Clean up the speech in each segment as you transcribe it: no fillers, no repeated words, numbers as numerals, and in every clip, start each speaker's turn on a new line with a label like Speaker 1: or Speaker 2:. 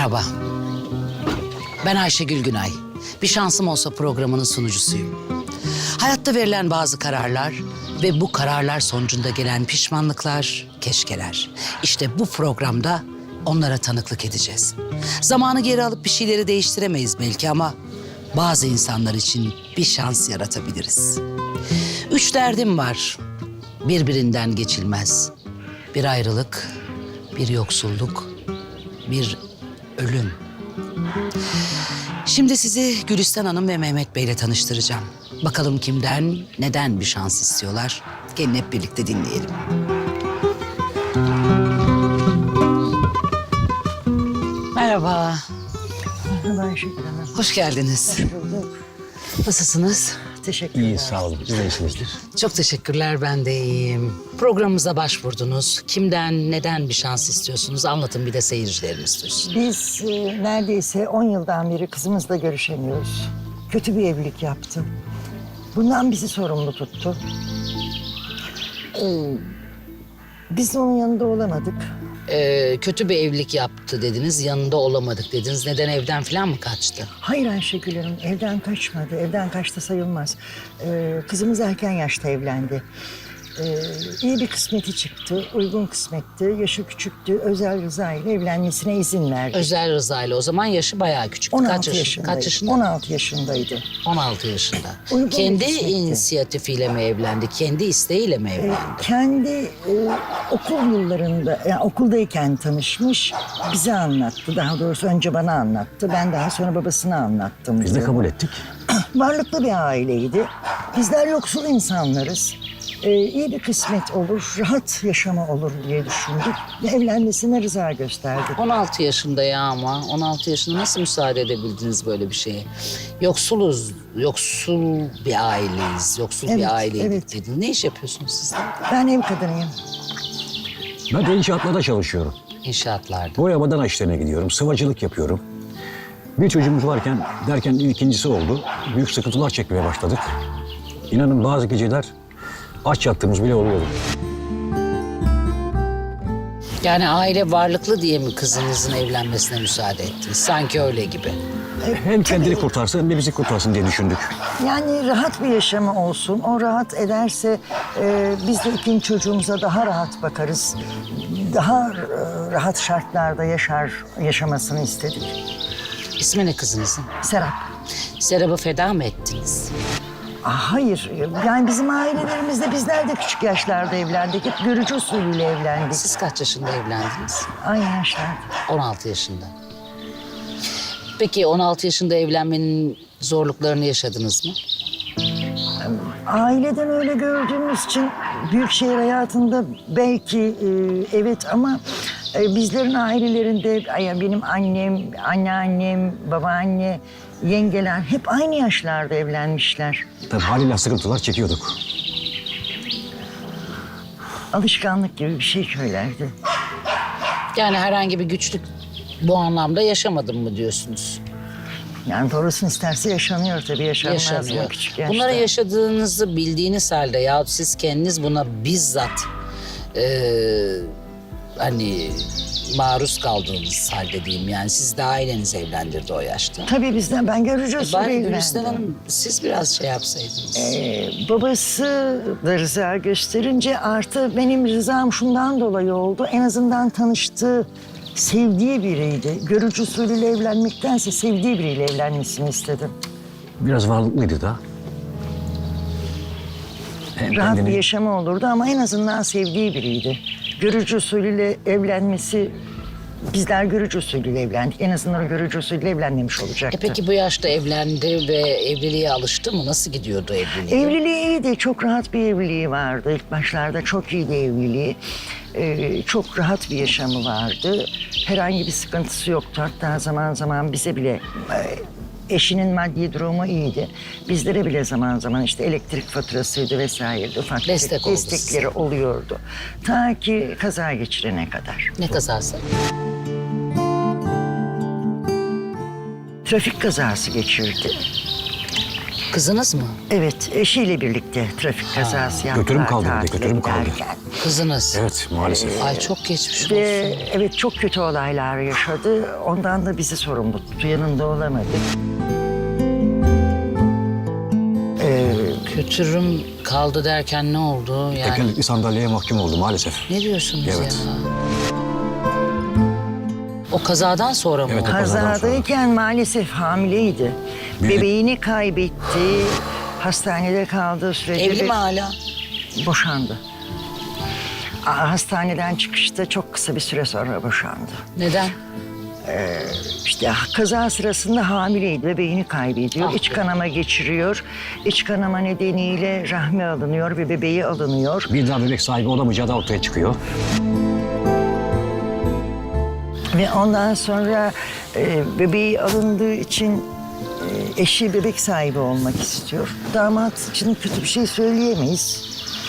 Speaker 1: Merhaba. Ben Ayşegül Günay. Bir şansım olsa programının sunucusuyum. Hayatta verilen bazı kararlar ve bu kararlar sonucunda gelen pişmanlıklar, keşkeler. İşte bu programda onlara tanıklık edeceğiz. Zamanı geri alıp bir şeyleri değiştiremeyiz belki ama bazı insanlar için bir şans yaratabiliriz. 3 derdim var. Birbirinden geçilmez. Bir ayrılık, bir yoksulluk, bir ölüm. Şimdi sizi Gülistan Hanım ve Mehmet Bey'le tanıştıracağım. Bakalım kimden, neden bir şans istiyorlar? Gelin hep birlikte dinleyelim. Merhaba.
Speaker 2: Merhaba Ayşegül Hanım.
Speaker 1: Hoş geldiniz.
Speaker 2: Hoş bulduk.
Speaker 1: Nasılsınız?
Speaker 2: Teşekkürler.
Speaker 3: İyi, sağ olun. Siz de iyisinizdir.
Speaker 1: Çok teşekkürler, ben de iyiyim. Programımıza başvurdunuz. Kimden, neden bir şans istiyorsunuz? Anlatın bir de seyircilerimiz duysun.
Speaker 2: Biz neredeyse 10 yıldan beri kızımızla görüşemiyoruz. Kötü bir evlilik yaptı. Bundan bizi sorumlu tuttu. Biz de onun yanında olamadık.
Speaker 1: Kötü bir evlilik yaptı dediniz, yanında olamadık dediniz. Neden, evden falan mı kaçtı?
Speaker 2: Hayır Ayşegül Hanım, evden kaçmadı. Evden kaçtı sayılmaz. Kızımız erken yaşta evlendi. İyi bir kısmeti çıktı, uygun kısmetti. Yaşı küçüktü, özel rıza ile evlenmesine izin verdi.
Speaker 1: Özel rızayla. O zaman yaşı bayağı küçüktü.
Speaker 2: 16
Speaker 1: Kaç
Speaker 2: yaşındaydı.
Speaker 1: yaşında?
Speaker 2: 16 yaşındaydı.
Speaker 1: 16 yaşında.
Speaker 2: Uygun
Speaker 1: Kendi
Speaker 2: bir kısmetti.
Speaker 1: inisiyatifiyle mi evlendi? Kendi isteğiyle mi evlendi?
Speaker 2: Kendi okul yıllarında, yani okuldayken tanışmış, bize anlattı. Daha doğrusu önce bana anlattı. Ben daha sonra babasına anlattım.
Speaker 3: Biz de kabul ettik.
Speaker 2: Varlıklı bir aileydi. Bizler yoksul insanlarız. İyi bir kısmet olur, rahat yaşama olur diye düşündük. Ve evlenmesine rıza gösterdik.
Speaker 1: 16 yaşında ya ama. 16 yaşında nasıl müsaade edebildiniz böyle bir şeye? Yoksuluz, yoksul bir aileyiz, yoksul
Speaker 2: Evet,
Speaker 1: bir aileydik
Speaker 2: evet.
Speaker 1: dediniz. Ne iş yapıyorsunuz siz de?
Speaker 2: Ben ev kadınıyım.
Speaker 3: Ben de inşaatlarda çalışıyorum.
Speaker 1: İnşaatlarda.
Speaker 3: Boyama dana işlerine gidiyorum. Sıvacılık yapıyorum. Bir çocuğumuz varken derken ikincisi oldu. Büyük sıkıntılar çekmeye başladık. İnanın bazı geceler aç yattığımız bile oluyordu.
Speaker 1: Yani aile varlıklı diye mi kızınızın evlenmesine müsaade ettiniz? Sanki öyle gibi.
Speaker 3: Hem kendini kurtarsın hem de bizi kurtarsın diye düşündük.
Speaker 2: Yani rahat bir yaşamı olsun. O rahat ederse biz de ikinci çocuğumuza daha rahat bakarız. Daha rahat şartlarda yaşamasını istedik.
Speaker 1: İsmi ne kızınızın?
Speaker 2: Serap.
Speaker 1: Serap'ı feda mı ettiniz?
Speaker 2: Hayır. Yani bizim ailelerimizde bizler de küçük yaşlarda evlendik. Hep görücü usulüyle evlendik.
Speaker 1: Siz kaç yaşında evlendiniz?
Speaker 2: Aynı yaşlarda.
Speaker 1: 16 yaşında. Peki 16 yaşında evlenmenin zorluklarını yaşadınız mı?
Speaker 2: Aileden öyle gördüğümüz için büyük şehir hayatında belki evet ama bizlerin ailelerinde benim annem, anneannem, babaanne, yengeler hep aynı yaşlarda evlenmişler.
Speaker 3: Tabii haliyle sıkıntılar çekiyorduk.
Speaker 2: Alışkanlık gibi bir şey köylerdi.
Speaker 1: Yani herhangi bir güçlük bu anlamda yaşamadım mı diyorsunuz?
Speaker 2: Yani doğrusunu isterse yaşanıyor tabii, yaşanmaz mı
Speaker 1: Yaşanıyor.
Speaker 2: küçük yaşta?
Speaker 1: Bunları yaşadığınızı bildiğiniz halde ya siz kendiniz buna bizzat hani maruz kaldığınız halde diyeyim. Yani siz de aileniz evlendirdi o yaşta.
Speaker 2: Tabii bizden, ben görücü usulü
Speaker 1: Ben
Speaker 2: evlendim.
Speaker 1: Gülistan Hanım siz biraz şey yapsaydınız.
Speaker 2: Babası da rıza gösterince artı benim rızam şundan dolayı oldu. En azından tanıştığı, sevdiği biriydi. Görücü usulüyle evlenmektense sevdiği biriyle evlenmesini istedim.
Speaker 3: Biraz varlıklıydı da. Hem
Speaker 2: Rahat bir
Speaker 3: kendini-
Speaker 2: yaşamı olurdu ama en azından sevdiği biriydi. Görücü usulüyle evlenmesi, bizler görücü usulüyle evlendik. En azından o görücü usulüyle evlenmemiş olacaktı.
Speaker 1: Peki bu yaşta evlendi ve evliliğe alıştı mı? Nasıl gidiyordu evliliği?
Speaker 2: Evliliği iyiydi. Çok rahat bir evliliği vardı. İlk başlarda çok iyiydi evliliği. Çok rahat bir yaşamı vardı. Herhangi bir sıkıntısı yoktu. Hatta zaman zaman bize bile eşinin maddi durumu iyiydi. Bizlere bile zaman zaman işte elektrik faturasıydı vesaireydi. Ufak
Speaker 1: Destek oldu
Speaker 2: destekleri oluyordu. Ta ki kaza geçirene kadar.
Speaker 1: Ne kazası?
Speaker 2: Trafik kazası geçirdi.
Speaker 1: Kızınız mı?
Speaker 2: Evet, eşiyle birlikte trafik kazası yaptılar.
Speaker 3: Götürüm kaldı bir de,
Speaker 2: tatile
Speaker 3: götürüm kaldı.
Speaker 2: giderken.
Speaker 1: Kızınız.
Speaker 3: Evet maalesef.
Speaker 1: Ay çok geçmiş olsun.
Speaker 2: Ve evet çok kötü olaylar yaşadı. Ondan da bizi sorumlu tuttu. Yanında olamadık.
Speaker 1: Götürüm kaldı derken ne oldu yani?
Speaker 3: Tekerlekli sandalyeye mahkum oldu maalesef.
Speaker 1: Ne diyorsunuz
Speaker 3: Evet.
Speaker 1: ya? O kazadan sonra mı
Speaker 3: Evet,
Speaker 1: oldu?
Speaker 3: o kazadan sonra.
Speaker 2: Kazadayken maalesef hamileydi.
Speaker 3: Bir-
Speaker 2: Bebeğini kaybetti. Hastanede kaldığı sürece
Speaker 1: Evli
Speaker 2: de
Speaker 1: mi hala?
Speaker 2: boşandı. Hastaneden çıkışta çok kısa bir süre sonra boşandı.
Speaker 1: Neden?
Speaker 2: İşte kaza sırasında hamileydi, bebeğini kaybediyor.
Speaker 1: Ah
Speaker 2: İç
Speaker 1: be.
Speaker 2: kanama geçiriyor. İç kanama nedeniyle rahmi alınıyor ve bebeği alınıyor.
Speaker 3: Bir daha bebek sahibi olamayacağı da ortaya çıkıyor.
Speaker 2: Ve ondan sonra bebeği alındığı için eşi bebek sahibi olmak istiyor. Damat için kötü bir şey söyleyemeyiz.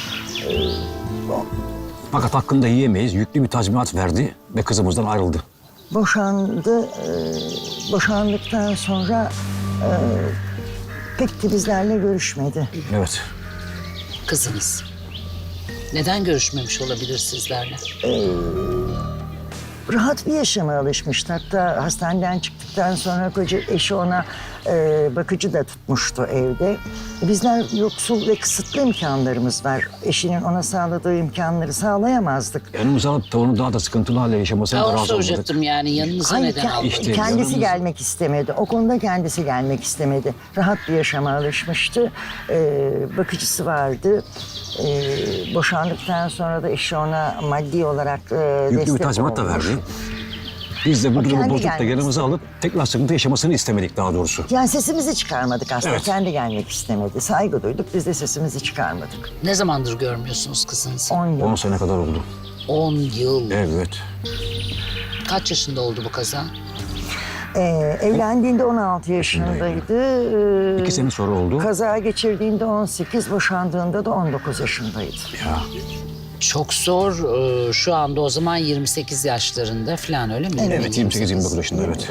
Speaker 3: Fakat hakkında yiyemeyiz. Yüklü bir tazminat verdi ve kızımızdan ayrıldı.
Speaker 2: Boşandı. Boşandıktan sonra pek de bizlerle görüşmedi.
Speaker 3: Evet.
Speaker 1: Kızınız. Neden görüşmemiş olabilir sizlerle?
Speaker 2: Rahat bir yaşama alışmıştı. Hatta hastaneden çıktıktan sonra koca eşi ona bakıcı da tutmuştu evde. Bizler yoksul ve kısıtlı imkanlarımız var. Eşinin ona sağladığı imkanları sağlayamazdık.
Speaker 3: Yanımıza alıp da onu daha da sıkıntılı hale yaşamasına
Speaker 1: Ya
Speaker 3: da
Speaker 1: onu
Speaker 3: razı olmadık.
Speaker 1: soracaktım yani yanınıza
Speaker 2: Hayır,
Speaker 1: neden aldınız?
Speaker 3: İşte
Speaker 2: kendisi
Speaker 3: yanımız-
Speaker 2: gelmek istemedi. O konuda kendisi gelmek istemedi. Rahat bir yaşama alışmıştı. Bakıcısı vardı. Boşandıktan sonra da eşi ona maddi olarak
Speaker 3: Yüklü
Speaker 2: destek
Speaker 3: bir tazminat da
Speaker 2: olmuş.
Speaker 3: verdi. Biz de bu durumu
Speaker 2: kendi
Speaker 3: bozup da
Speaker 2: gelmek
Speaker 3: yanımıza alıp tekrar sıkıntı yaşamasını istemedik daha doğrusu.
Speaker 2: Yani sesimizi çıkarmadık aslında.
Speaker 3: Evet.
Speaker 2: Kendi gelmek istemedi. Saygı duyduk. Biz de sesimizi çıkarmadık.
Speaker 1: Ne zamandır görmüyorsunuz kızınızı?
Speaker 2: 10 yıl.
Speaker 3: 10 sene kadar oldu.
Speaker 1: 10 yıl.
Speaker 3: Evet.
Speaker 1: Kaç yaşında oldu bu kaza?
Speaker 2: Evlendiğinde 16 yaşındaydı.
Speaker 3: 2 sene sonra oldu.
Speaker 2: Kaza geçirdiğinde 18, boşandığında da 19 yaşındaydı.
Speaker 3: Ya.
Speaker 1: Çok zor. Şu anda o zaman 28 yaşlarında falan öyle mi?
Speaker 3: Evet 28-29 yaşında evet.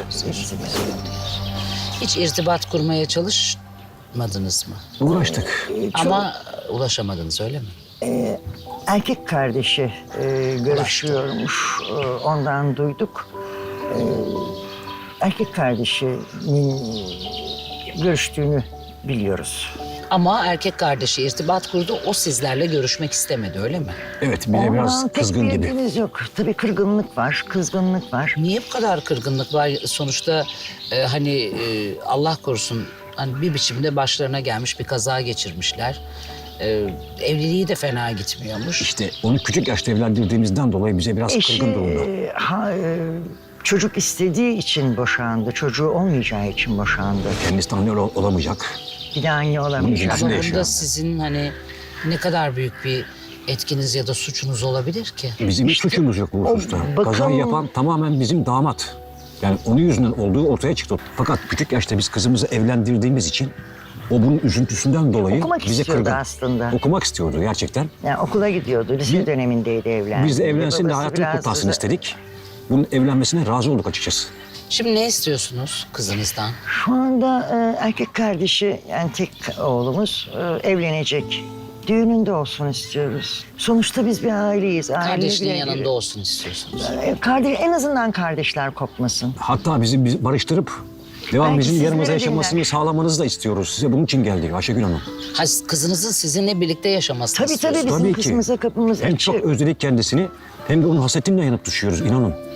Speaker 1: Hiç irtibat kurmaya çalışmadınız mı?
Speaker 3: Uğraştık.
Speaker 1: Ama ulaşamadınız öyle mi?
Speaker 2: Erkek kardeşi görüşüyormuş. Ondan duyduk. Erkek kardeşinin görüştüğünü biliyoruz.
Speaker 1: Ama erkek kardeşi irtibat kurdu. O sizlerle görüşmek istemedi öyle mi?
Speaker 3: Evet bir de biraz
Speaker 2: Pek
Speaker 3: kızgın
Speaker 2: bir
Speaker 3: gibi.
Speaker 2: ilgimiz yok. Tabii kırgınlık var, kızgınlık var.
Speaker 1: Niye bu kadar kırgınlık var? Sonuçta Allah korusun hani bir biçimde başlarına gelmiş bir kaza geçirmişler. Evliliği de fena gitmiyormuş.
Speaker 3: İşte onu küçük yaşta evlendirdiğimizden dolayı bize biraz
Speaker 2: Eşi
Speaker 3: kırgın durumda.
Speaker 2: Çocuk istediği için boşandı. Çocuğu olmayacağı için boşandı.
Speaker 3: Kendisi de anne olamayacak.
Speaker 2: Bir de anne olamayacak.
Speaker 3: Bunun
Speaker 1: Ama
Speaker 3: yaşıyor
Speaker 1: bunda
Speaker 3: yani.
Speaker 1: sizin hani ne kadar büyük bir etkiniz ya da suçunuz olabilir ki?
Speaker 3: Bizim hiç suçumuz yok bu
Speaker 2: o
Speaker 3: hususta.
Speaker 2: bakım-
Speaker 3: Kazayı yapan tamamen bizim damat. Yani onun yüzünden olduğu ortaya çıktı. Fakat küçük yaşta biz kızımızı evlendirdiğimiz için o bunun üzüntüsünden dolayı
Speaker 2: Okumak
Speaker 3: bize
Speaker 2: istiyordu
Speaker 3: kırgın.
Speaker 2: aslında.
Speaker 3: Okumak istiyordu gerçekten.
Speaker 2: Yani okula gidiyordu. Lise dönemindeydi evlendi.
Speaker 3: Biz de evlensin de
Speaker 2: Babası
Speaker 3: hayatını
Speaker 2: biraz
Speaker 3: kurtarsın
Speaker 2: da-
Speaker 3: istedik. Bunun evlenmesine razı olduk açıkçası.
Speaker 1: Şimdi ne istiyorsunuz kızınızdan?
Speaker 2: Şu anda erkek kardeşi yani tek oğlumuz evlenecek. Düğününde olsun istiyoruz. Sonuçta biz bir aileyiz.
Speaker 1: Kardeşinin yanında olsun istiyorsunuz.
Speaker 2: En azından kardeşler kopmasın.
Speaker 3: Hatta bizi barıştırıp devam
Speaker 2: Belki
Speaker 3: bizim
Speaker 2: sizlere
Speaker 3: yanımıza
Speaker 2: dinler.
Speaker 3: yaşamasını sağlamanızı da istiyoruz. Size bunun için geldik Ayşegül Hanım.
Speaker 1: Ha, kızınızın sizinle birlikte yaşamasını
Speaker 2: Tabii
Speaker 1: istiyorsunuz.
Speaker 2: bizim
Speaker 3: Tabii ki.
Speaker 2: kızımıza kapımız
Speaker 3: Hem
Speaker 2: açık.
Speaker 3: çok özledik kendisini hem de onun hasretinden yanıp düşüyoruz inanın.